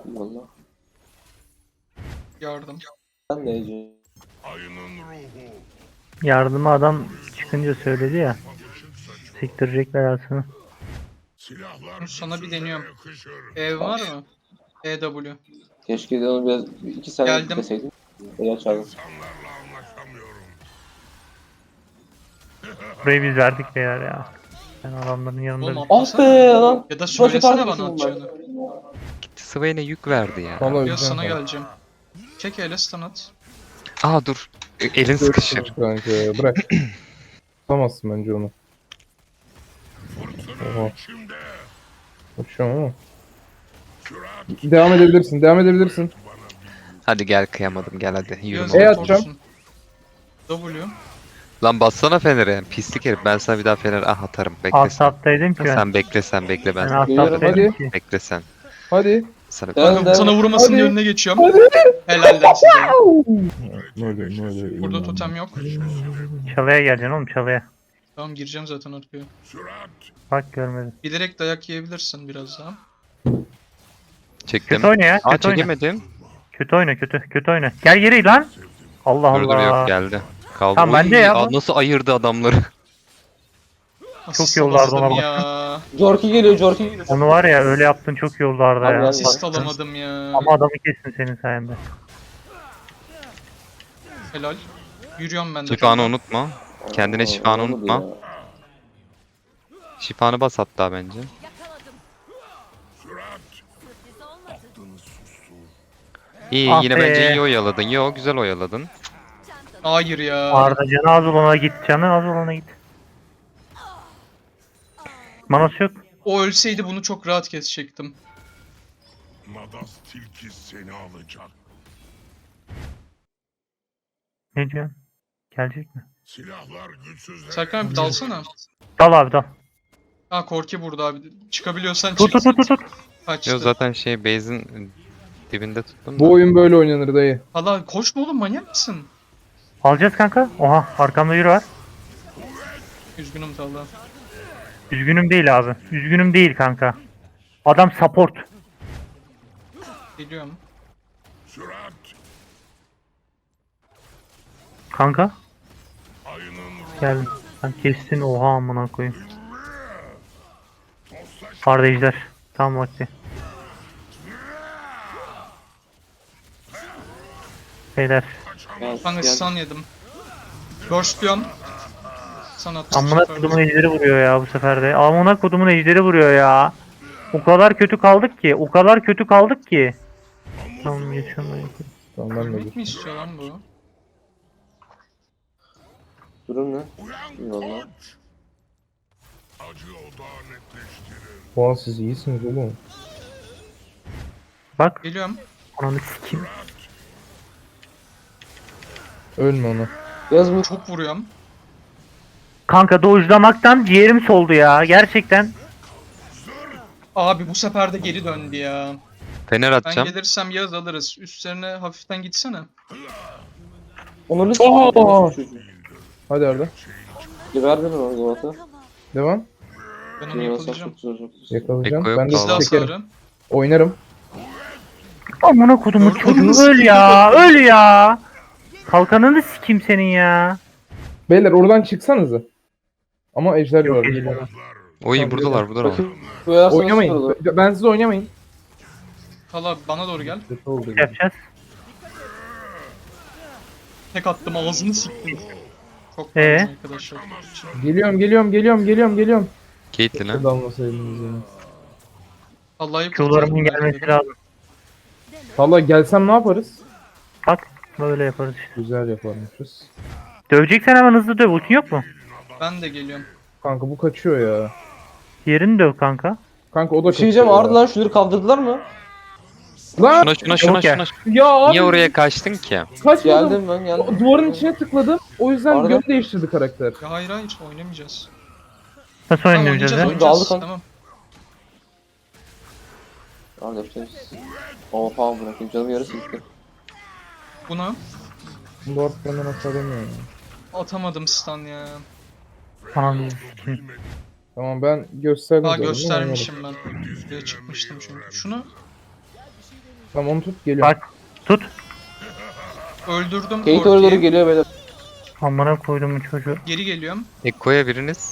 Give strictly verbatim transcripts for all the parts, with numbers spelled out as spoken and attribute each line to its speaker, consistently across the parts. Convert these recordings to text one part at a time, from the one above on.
Speaker 1: Valla.
Speaker 2: Yardım.
Speaker 1: Ben de Ece.
Speaker 3: Yardıma adam çıkınca söyledi ya. Siktirecekler aslında.
Speaker 2: Sana bir deniyorum. E var mı? E W.
Speaker 1: Keşke de onu biraz bir iki saniye
Speaker 2: Geldim.
Speaker 1: deseydim. Eğer çağırdım.
Speaker 3: Burayı biz verdik beyler ya. Ben adamların yanında
Speaker 2: Oğlum
Speaker 3: bir-
Speaker 1: Ah
Speaker 2: atlasana.
Speaker 1: be lan.
Speaker 2: Ya da
Speaker 1: Başı
Speaker 2: söylesene
Speaker 1: tarih
Speaker 2: bana
Speaker 1: geçtim
Speaker 2: atacağını.
Speaker 4: Swain'e yük verdi ya.
Speaker 5: Valla
Speaker 2: Ya
Speaker 5: öleceğim
Speaker 2: sana
Speaker 5: kanka.
Speaker 2: geleceğim. Çek ele stun at.
Speaker 4: Aa dur. E, Elin sıkışır.
Speaker 5: Görüşürüz kanka. Bırak. Tutamazsın bence onu. Oha. Uçuyorum ama. Devam edebilirsin. Devam edebilirsin.
Speaker 4: Hadi gel kıyamadım gel hadi. Yürüme.
Speaker 2: Biraz
Speaker 5: E
Speaker 2: da
Speaker 5: atacağım.
Speaker 2: torsun. W.
Speaker 4: Lan bassana Fener'e. Pislik herif. Ben sana bir daha Fener ah atarım. Bekle
Speaker 3: Alt
Speaker 4: sen.
Speaker 3: taptaydım ki ben.
Speaker 4: Sen bekle sen bekle
Speaker 3: Ben
Speaker 4: ben.
Speaker 3: alt
Speaker 1: Geliyorum,
Speaker 3: taptaydım
Speaker 5: hadi.
Speaker 3: ki.
Speaker 4: Bekle sen.
Speaker 5: Hadi.
Speaker 4: Sana
Speaker 1: Ben
Speaker 2: Kanka
Speaker 1: de-
Speaker 2: sana vurmasının
Speaker 5: Hadi.
Speaker 2: önüne geçiyorum. Helal lan size.
Speaker 5: Böyle böyle.
Speaker 2: Burada totem yok.
Speaker 3: Çalıya geleceksin oğlum çalıya.
Speaker 2: Tamam gireceğim zaten arkaya.
Speaker 3: Bak görmedim.
Speaker 2: Bilerek dayak yiyebilirsin biraz daha.
Speaker 4: çektim.
Speaker 3: Kötü oyna ya
Speaker 4: Aa
Speaker 3: kötü oyna.
Speaker 4: çekemedim.
Speaker 3: Kötü oyna kötü kötü oyna. Gel geri lan. Allah
Speaker 4: Dur dur
Speaker 3: Allah.
Speaker 4: yok geldi. Kaldı.
Speaker 3: Tamam,
Speaker 4: Oy,
Speaker 3: bende ya bu.
Speaker 4: aa, nasıl ayırdı adamları.
Speaker 2: Asist
Speaker 3: yollardı ona
Speaker 2: alamadım
Speaker 3: bak.
Speaker 2: ya.
Speaker 1: Jorki geliyor, Jorki geliyor.
Speaker 3: Onu var ya öyle yaptın çok iyi oldu Arda
Speaker 1: Abi
Speaker 3: ya.
Speaker 1: ben-
Speaker 2: Asist alamadım ya.
Speaker 3: Ama adamı kestin senin sayende.
Speaker 2: Helal. Yürüyorum ben de.
Speaker 4: Şifanı unutma. Kendine
Speaker 1: Aa,
Speaker 4: şifanı
Speaker 1: olmadı
Speaker 4: unutma.
Speaker 1: ya.
Speaker 4: Şifanı bas hatta bence. İyi
Speaker 3: Ah
Speaker 4: yine
Speaker 3: be.
Speaker 4: bence iyi oyaladın. Yo güzel oyaladın.
Speaker 2: Hayır ya.
Speaker 3: Arda canı az olana git. Canı az olana git. Manası yok.
Speaker 2: O ölseydi bunu çok rahat kesecektim.
Speaker 6: Madas tilki seni alacak.
Speaker 3: Ne diyorsun? Gelecek mi?
Speaker 6: Silahlar güçsüzler.
Speaker 2: Serkan abi dalsana.
Speaker 3: Dal abi dal.
Speaker 2: Ha Korki burada abi. Çıkabiliyorsan
Speaker 3: Tut
Speaker 2: çık.
Speaker 3: tut tut tut.
Speaker 2: Kaçtı.
Speaker 4: Yo zaten şey base'in dibinde tuttum da.
Speaker 5: Bu oyun böyle oynanır dayı.
Speaker 2: Hala koşma oğlum manyak mısın?
Speaker 3: Alacağız kanka. Oha arkamda yürü var.
Speaker 2: Üzgünüm Talha.
Speaker 3: Üzgünüm değil abi. Üzgünüm değil kanka. Adam support.
Speaker 2: Geliyorum.
Speaker 6: Sürat.
Speaker 3: Kanka.
Speaker 6: Ayının ruhu.
Speaker 3: Gel. Sen kestin oha amına koyayım. Arda ejder. Tam vakti. Beyler.
Speaker 1: Gel,
Speaker 2: Kanka
Speaker 1: gel.
Speaker 2: stun yedim. Burstluyorum. Sana attım.
Speaker 3: Amına kodumun ejderi vuruyor ya bu sefer de. Amına kodumun ejderi vuruyor ya. O kadar kötü kaldık ki. O kadar kötü kaldık ki. Tamam geçiyorum.
Speaker 5: Tamam ben de
Speaker 2: Ölmek
Speaker 5: dur.
Speaker 2: mi istiyor lan bu?
Speaker 1: Durum ne?
Speaker 6: Uyan
Speaker 1: Eyvallah.
Speaker 6: koç. Acı odağı netleştirir.
Speaker 5: Oha siz iyisiniz oğlum.
Speaker 3: Bak.
Speaker 2: Geliyorum.
Speaker 3: Ananı sikeyim.
Speaker 5: Ölme ona.
Speaker 1: Yaz bu.
Speaker 2: Çok vuruyorum.
Speaker 3: Kanka dojlamaktan ciğerim soldu ya. Gerçekten.
Speaker 2: Abi bu sefer de geri döndü ya.
Speaker 4: Fener
Speaker 2: Ben
Speaker 4: atacağım.
Speaker 2: gelirsem Yağız alırız. Üstlerine hafiften gitsene.
Speaker 1: Onları
Speaker 5: Oha!
Speaker 1: s***.
Speaker 5: Hadi Arda.
Speaker 1: Ver beni o Galata.
Speaker 5: Devam.
Speaker 2: Ben onu
Speaker 1: Yakalayacağım.
Speaker 2: yakalayacağım.
Speaker 1: Çok zor, çok zor.
Speaker 5: Yakalayacağım.
Speaker 4: Eko yok
Speaker 5: Ben de
Speaker 4: vallahi.
Speaker 2: Silah
Speaker 5: çekerim.
Speaker 2: sarı.
Speaker 5: Oynarım.
Speaker 3: Amına kodumun
Speaker 2: Gördün
Speaker 3: çocuğu
Speaker 2: mü?
Speaker 3: öl ya. Öl ya. Kalkanını sikeyim senin ya.
Speaker 5: Beyler oradan çıksanıza. Ama ejder
Speaker 3: Yok
Speaker 5: var.
Speaker 3: geliyorlar.
Speaker 4: Oy
Speaker 5: Tamam,
Speaker 4: buradalar buradalar.
Speaker 1: Bakın. Bu yarasa nasıl
Speaker 5: Oynamayın.
Speaker 1: kurulu?
Speaker 5: Ben siz oynamayın.
Speaker 2: Hala bana doğru gel.
Speaker 5: Kötü oldu.
Speaker 3: Yapacağız.
Speaker 2: Tek attım ağzını siktim. Çok
Speaker 3: Ee?
Speaker 2: pardon arkadaşlar.
Speaker 5: Geliyorum geliyorum geliyorum geliyorum geliyorum.
Speaker 4: Caitlyn'e.
Speaker 5: Dalmasaydınız ya.
Speaker 2: Allah'ı
Speaker 3: Q'larımın gelmesi lazım.
Speaker 5: Valla gelsem ne yaparız?
Speaker 3: Bak böyle yaparız işte.
Speaker 5: Güzel yaparmışız.
Speaker 3: Döveceksen hemen hızlı döv. Ultin yok mu?
Speaker 2: Ben de geliyorum.
Speaker 5: Kanka bu kaçıyor ya.
Speaker 3: Diğerini döv kanka.
Speaker 5: Kanka o da
Speaker 1: Bir şey diyeceğim,
Speaker 5: kaçıyor
Speaker 1: Arda
Speaker 5: ya.
Speaker 1: lan şunları kaldırdılar mı?
Speaker 5: Lan!
Speaker 4: Şuna şuna şuna
Speaker 3: Okey.
Speaker 4: şuna.
Speaker 5: Ya abi
Speaker 4: Niye oraya kaçtın ki?
Speaker 5: kaçmadım.
Speaker 1: Geldim ben geldim.
Speaker 5: Duvarın içine tıkladım. O yüzden
Speaker 1: Arda.
Speaker 5: yön değiştirdi karakter.
Speaker 2: Ya hayır hayır oynamayacağız.
Speaker 3: Nasıl
Speaker 2: Tamam
Speaker 3: oynayacağız
Speaker 2: oynayacağız
Speaker 3: ya?
Speaker 1: Onu da
Speaker 2: oynayacağız.
Speaker 1: aldık
Speaker 2: Tamam.
Speaker 1: Arda yapacağız. Ama falan bırakayım, canım yarısı gitti.
Speaker 2: Buna
Speaker 5: Bu artık benden aşağılamıyor ya.
Speaker 2: atamadım stun ya.
Speaker 3: Ananı sikeyim.
Speaker 5: Tamam ben gösterdim.
Speaker 2: Daha
Speaker 5: zaten,
Speaker 2: göstermişim ben. Buraya çıkmıştım çünkü. Şunu
Speaker 5: Tamam onu tut geliyorum.
Speaker 3: Bak tut.
Speaker 2: Öldürdüm
Speaker 1: Kate oraya doğru
Speaker 2: Korki'yi.
Speaker 1: geliyor beyler.
Speaker 3: Amına koydum bu çocuğu.
Speaker 2: Geri geliyorum.
Speaker 4: Ekko'ya biriniz.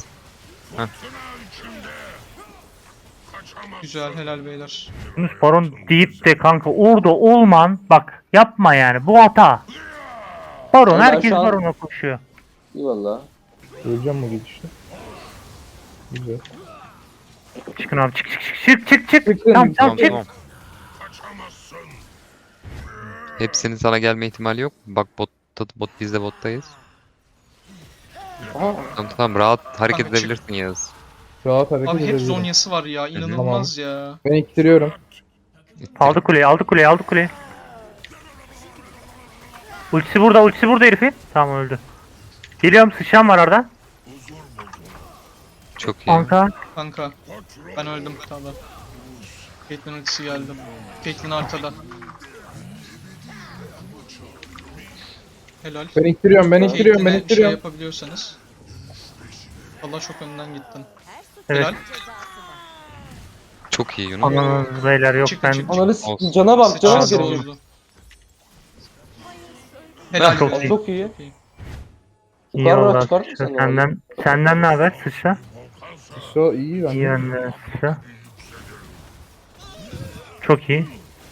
Speaker 2: Güzel, helal beyler.
Speaker 3: Yunus Baron deyip de kanka orada olman bak yapma yani bu hata. Baron
Speaker 1: Ya ben
Speaker 3: herkes
Speaker 1: şu an-
Speaker 3: Baron'a koşuyor.
Speaker 1: İyi valla.
Speaker 5: Öleceğim bu gidişte. Güzel.
Speaker 3: Çıkın abi çık çık çık çık çık çık.
Speaker 5: Çıkın.
Speaker 3: Tamam tamam
Speaker 4: Tamam
Speaker 3: çık.
Speaker 4: tamam. Hepsinin sana gelme ihtimali yok. Bak bot, bot biz de bottayız.
Speaker 1: Aha.
Speaker 4: Tamam tamam rahat hareket
Speaker 2: Kanka çık.
Speaker 4: edebilirsin Yağız.
Speaker 5: Rahat hareket
Speaker 2: Abi hep
Speaker 5: edebilirim.
Speaker 2: zonyası var ya, inanılmaz ya.
Speaker 5: Ben ittiriyorum.
Speaker 3: Aldı kuleyi aldı kuleyi aldı kuleyi. Ultisi burada ultisi burada herifin. Tamam öldü. Geliyorum sıçan var orada.
Speaker 4: Çok iyi.
Speaker 3: Kanka.
Speaker 2: Kanka, ben öldüm tabi. Caitlyn ultisi geldi. Caitlyn arkada. Helal.
Speaker 5: Ben ittiriyorum ben ittiriyorum ben
Speaker 2: Caitlyn'e şey
Speaker 5: ittiriyorum.
Speaker 2: yapabiliyorsanız. Allah çok önden gittin.
Speaker 3: Evet.
Speaker 2: Helal.
Speaker 4: Çok iyi Yunus.
Speaker 3: Ananız beyler yok
Speaker 2: Çık,
Speaker 3: ben.
Speaker 2: çık.
Speaker 1: Ananı
Speaker 4: Olsun.
Speaker 1: s*** cana bak cana bak
Speaker 2: Sıçrası
Speaker 1: herif.
Speaker 2: bozdu. Helal
Speaker 3: Çok
Speaker 2: be.
Speaker 3: iyi.
Speaker 1: Çok iyi.
Speaker 3: İyi
Speaker 1: Yukarı
Speaker 3: valla
Speaker 1: çıkar
Speaker 3: sıçra.
Speaker 1: mısın?
Speaker 3: Senden, senden ne haber sıçra?
Speaker 5: So iyi ben.
Speaker 3: İyi bende sıçra. Çok iyi.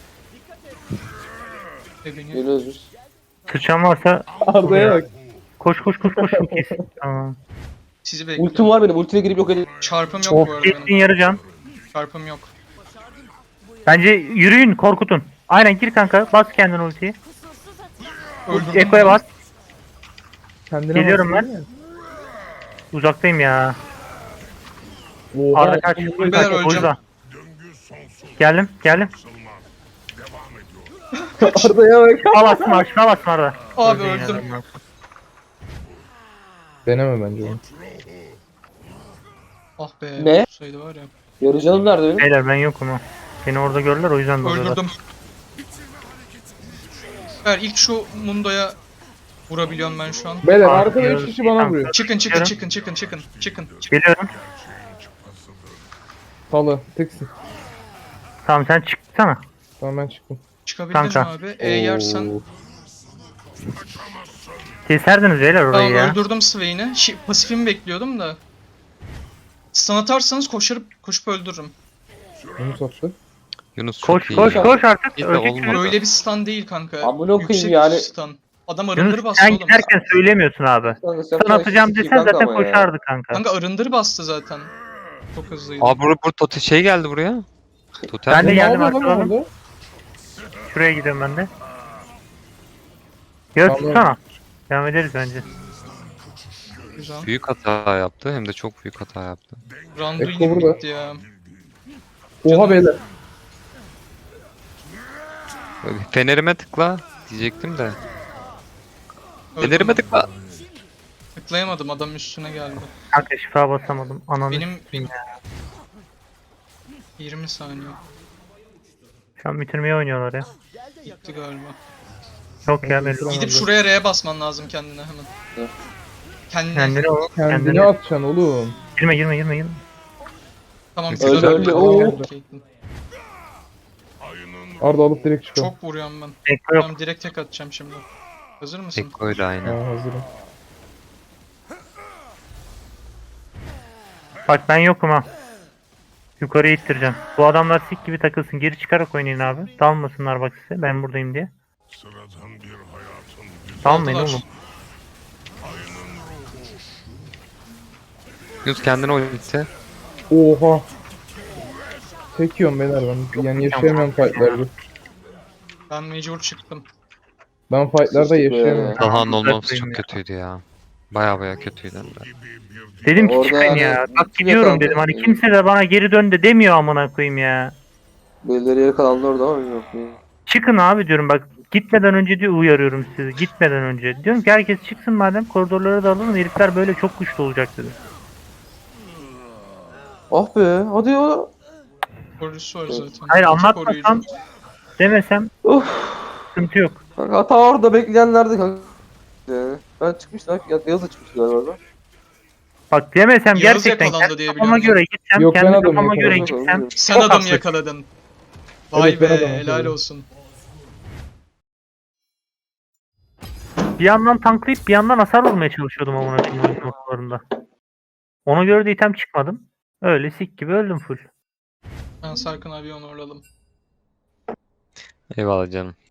Speaker 2: Ebeni.
Speaker 1: Geliyoruz biz.
Speaker 3: Sıçan varsa
Speaker 5: Arda'ya bak.
Speaker 3: koş koş koş koş çok iyisin. Tamam.
Speaker 2: Sizi
Speaker 1: Ultim
Speaker 2: bekliyorum.
Speaker 1: var benim. Ultiye girip yok edeyim.
Speaker 2: Çarpım yok bu
Speaker 3: Of
Speaker 2: arada
Speaker 3: Caitlyn
Speaker 2: benim.
Speaker 3: yarı can.
Speaker 2: Çarpım yok.
Speaker 3: Bence yürüyün korkutun. Aynen gir kanka bas kendin ultiyi.
Speaker 2: Öldürdüm.
Speaker 3: Eko'ya bas.
Speaker 5: Kendine
Speaker 3: Geliyorum
Speaker 5: baksana
Speaker 3: ben. Uzaktayım ya.
Speaker 5: Oha.
Speaker 3: Arda kaç.
Speaker 2: Ben
Speaker 3: Kaç. O
Speaker 2: öleceğim.
Speaker 3: yüzden. Geldim geldim.
Speaker 5: Arda'ya bak.
Speaker 3: Al asma aşağı basma Arda.
Speaker 2: Abi
Speaker 3: Öldün
Speaker 2: öldüm.
Speaker 3: yine.
Speaker 5: Deneme bence onu.
Speaker 2: Ah be.
Speaker 1: Ne?
Speaker 2: Saydı var ya.
Speaker 1: Yarı canım nerede benim?
Speaker 3: Beyler ben yokum ha. Beni orada gördüler o yüzden doluyorlar.
Speaker 2: Öldürdüm. Evet, ilk şu Mundo'ya vurabiliyorum ben şu an.
Speaker 5: Beyler
Speaker 3: Abi,
Speaker 5: arkada üç
Speaker 3: yarı-
Speaker 5: kişi bana
Speaker 3: Tamam.
Speaker 5: vuruyor.
Speaker 2: Çıkın çıkın
Speaker 3: Yarım.
Speaker 2: çıkın çıkın çıkın çıkın.
Speaker 3: Geliyorum.
Speaker 5: Salı tıksın.
Speaker 3: Tamam sen çıksana.
Speaker 5: Tamam ben çıktım.
Speaker 2: Çıkabildin mi
Speaker 3: Kanka.
Speaker 2: abi? E yersen.
Speaker 5: Oo.
Speaker 3: Keserdiniz beyler orayı
Speaker 2: Tamam
Speaker 3: ya.
Speaker 2: öldürdüm Swain'i. Şi- pasifimi bekliyordum da. Stun atarsanız koşup koşup öldürürüm.
Speaker 5: Bunu sattı.
Speaker 4: Yunus çok
Speaker 3: Koş
Speaker 4: iyi.
Speaker 3: koş
Speaker 4: ya.
Speaker 3: koş artık.
Speaker 4: İyi de
Speaker 3: Ölecek
Speaker 4: olmadı.
Speaker 3: çocuk.
Speaker 2: Öyle bir stun değil kanka.
Speaker 1: Amına koyayım
Speaker 2: Yüksek
Speaker 1: yani.
Speaker 2: stun. Adam arındır
Speaker 3: Yunus
Speaker 2: bastı
Speaker 3: sen
Speaker 2: oğlum.
Speaker 3: giderken söylemiyorsun abi.
Speaker 1: Kanka, sen
Speaker 3: Sen atacağım
Speaker 1: sikeyim
Speaker 3: desen
Speaker 1: kanka
Speaker 3: zaten
Speaker 1: ama ya.
Speaker 3: koşardı kanka.
Speaker 2: Kanka arındır bastı zaten. Çok hızlıydı.
Speaker 4: Aa burada burada tote şey geldi buraya. Totem.
Speaker 3: Ben de
Speaker 5: Ne
Speaker 3: geldim
Speaker 5: yapıyor lan
Speaker 3: arkadan.
Speaker 5: orada?
Speaker 3: Şuraya gidiyorum ben de. Göz
Speaker 5: Tamam.
Speaker 3: tutsana. Devam ederiz bence.
Speaker 2: Güzel.
Speaker 4: Büyük hata yaptı hem de çok büyük hata yaptı.
Speaker 2: Randuin
Speaker 5: Ekko
Speaker 2: gibi
Speaker 5: burada.
Speaker 2: gitti ya.
Speaker 5: Oha beyler.
Speaker 4: Fenerime tıkla diyecektim de.
Speaker 2: Öldüm.
Speaker 4: Fenerime tıkla.
Speaker 2: Tıklayamadım, adam üstüne geldi.
Speaker 3: Kanka şifa basamadım. Ananı.
Speaker 2: Benim
Speaker 3: Benim...
Speaker 2: yirmi saniye.
Speaker 3: Şu an bitirmeye oynuyorlar ya.
Speaker 2: Gitti galiba.
Speaker 3: Yok ya belli.
Speaker 2: Gidip şuraya R'ye basman lazım kendine hemen.
Speaker 1: Evet.
Speaker 2: Kendine.
Speaker 3: Kendini o.
Speaker 5: Kendine
Speaker 3: Kendini.
Speaker 5: atacaksın oğlum.
Speaker 3: Girme girme girme girme.
Speaker 2: Tamam
Speaker 5: Öldü,
Speaker 2: güzel.
Speaker 1: öldü,
Speaker 2: Tamam,
Speaker 1: oo.
Speaker 2: Caitlyn.
Speaker 5: Arda alıp direkt çıkalım.
Speaker 2: Çok vuruyorum ben.
Speaker 3: Ekko yok.
Speaker 2: Tamam direkt tek atacağım şimdi. Hazır mısın?
Speaker 4: Ekko'yla aynı.
Speaker 5: Ha hazırım.
Speaker 3: Bak ben yokum ha. Yukarıya ittireceğim. Bu adamlar sik gibi takılsın. Geri çıkarak oynayın abi. Dalmasınlar bak size. Ben buradayım diye.
Speaker 6: Sıradan bir hayatın
Speaker 3: Dalmayın
Speaker 2: Aldılar.
Speaker 3: oğlum.
Speaker 4: Yunus kendine ulti.
Speaker 5: Oha. Çekiyorum beyler ben. Yani yaşayamıyorum fightlarda.
Speaker 2: Ben mecbur çıktım.
Speaker 5: Ben fightlarda
Speaker 1: Sıçtık be
Speaker 5: yaşayamıyorum.
Speaker 1: ya.
Speaker 4: Taha'nın olmaması
Speaker 3: Bırakmayın
Speaker 4: çok
Speaker 3: ya.
Speaker 4: kötüydü ya. Baya baya kötüydü. hem de.
Speaker 3: Dedim ki
Speaker 1: Orada
Speaker 3: çıkın
Speaker 1: yani
Speaker 3: ya. Bak
Speaker 1: kim
Speaker 3: gidiyorum
Speaker 1: yakalandı?
Speaker 3: dedim. Hani kimse de bana geri dön de demiyor amına koyayım ya.
Speaker 1: Birileri yere kalanlar orada ama yok.
Speaker 3: Çıkın abi diyorum bak. Gitmeden önce diye uyarıyorum sizi. Gitmeden önce. Diyorum ki herkes çıksın madem koridorlara da alalım. Herifler böyle çok güçlü olacak dedi.
Speaker 1: Ah be hadi ya.
Speaker 2: Koruyucusu var zaten.
Speaker 3: Hayır
Speaker 2: İki
Speaker 3: anlatmasam
Speaker 2: koruyucu.
Speaker 3: demesem
Speaker 1: Uf.
Speaker 3: sıkıntı yok.
Speaker 1: Kanka hata orada bekleyenlerdi kanka. Yani ben çıkmıştım. Ya Yağız da çıkmıştı galiba orada.
Speaker 3: Bak demesem
Speaker 2: Yağız
Speaker 3: gerçekten
Speaker 2: yakalandı
Speaker 3: kendi
Speaker 2: diye
Speaker 3: kafama
Speaker 2: biliyorum.
Speaker 3: göre gitsem
Speaker 5: Yok, ben
Speaker 3: kendi
Speaker 5: adamı
Speaker 3: kafama göre
Speaker 5: yakaladım.
Speaker 3: gitsem
Speaker 2: Sen
Speaker 3: çok
Speaker 2: adam
Speaker 3: haksız.
Speaker 2: yakaladın. Vay
Speaker 5: Evet, ben
Speaker 2: be
Speaker 5: adamım
Speaker 2: helal
Speaker 5: tabii.
Speaker 2: olsun.
Speaker 3: Bir yandan tanklayıp bir yandan hasar vurmaya çalışıyordum amına koyayım oyun noktalarında. Ona göre de item çıkmadım. Öyle sik gibi öldüm full.
Speaker 2: Ben Sarkın abi onu uğurladım.
Speaker 4: Eyvallah canım.